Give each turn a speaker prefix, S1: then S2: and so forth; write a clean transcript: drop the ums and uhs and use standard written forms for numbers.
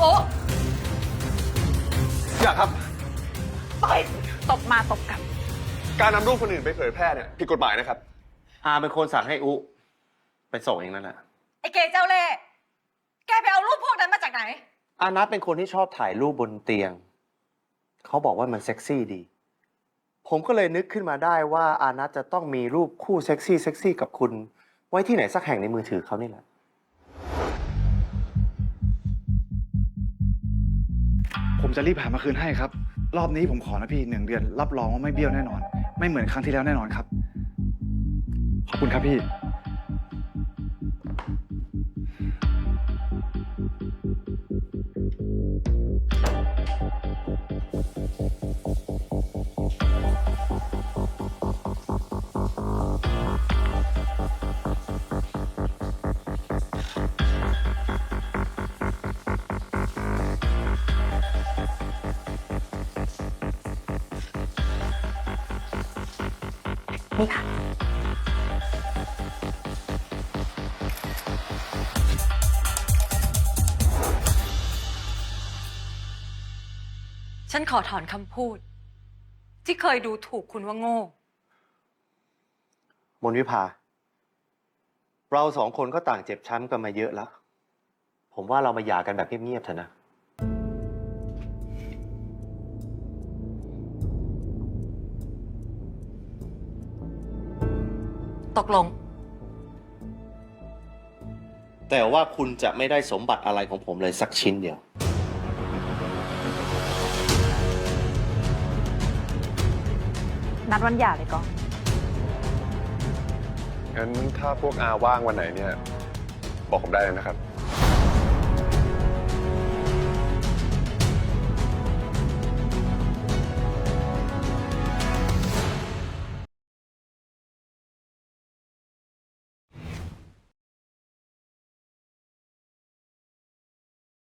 S1: โอ้
S2: อย่าครับ
S1: ปล่อยตบมาตบกลับ
S2: การนำรูปคนอื่นไปเผยแพร่เนี่ยผิดกฎหมายนะครับ
S3: อาเป็นคนสั่งให้อุไปส่งเองนั่นแหละ
S1: ไอ้เกเจ้าเล่ห์แกไปเอารูปพวกนั้นมาจากไหน
S3: อานัทเป็นคนที่ชอบถ่ายรูปบนเตียง เขาบอกว่ามันเซ็กซี่ดี ผมก็เลยนึกขึ้นมาได้ว่าอานัทจะต้องมีรูปคู่เซ็กซี่กับคุณ ไว้ที่ไหนสักแห่งในมือถือเขานี่แหละ
S4: ผมจะรีบหามาคืนให้ครับ รอบนี้ผมขอนะพี่1 เดือน รับรองว่าไม่เบี้ยวแน่นอน ไม่เหมือนครั้งที่แล้วแน่นอนครับ ขอบคุณครับพี่
S1: นี่ค่ะ ฉันขอถอนคำพูด ที่เคยดูถูกคุณว่าโง่
S3: มนวิภา เราสองคนก็ต่างเจ็บช้ำกันมาเยอะแล้ว ผมว่าเรามาหย่ากันแบบเงียบๆเถอะนะ
S1: ตกลง
S3: แต่ว่าคุณจะไม่ได้สมบัติอะไรของผมเลยสักชิ้นเดียว
S1: นัดวันหย่าเลยก่อน
S2: งั้นถ้าพวกอาว่างวันไหนเนี่ย บอกผมได้เลยนะครับ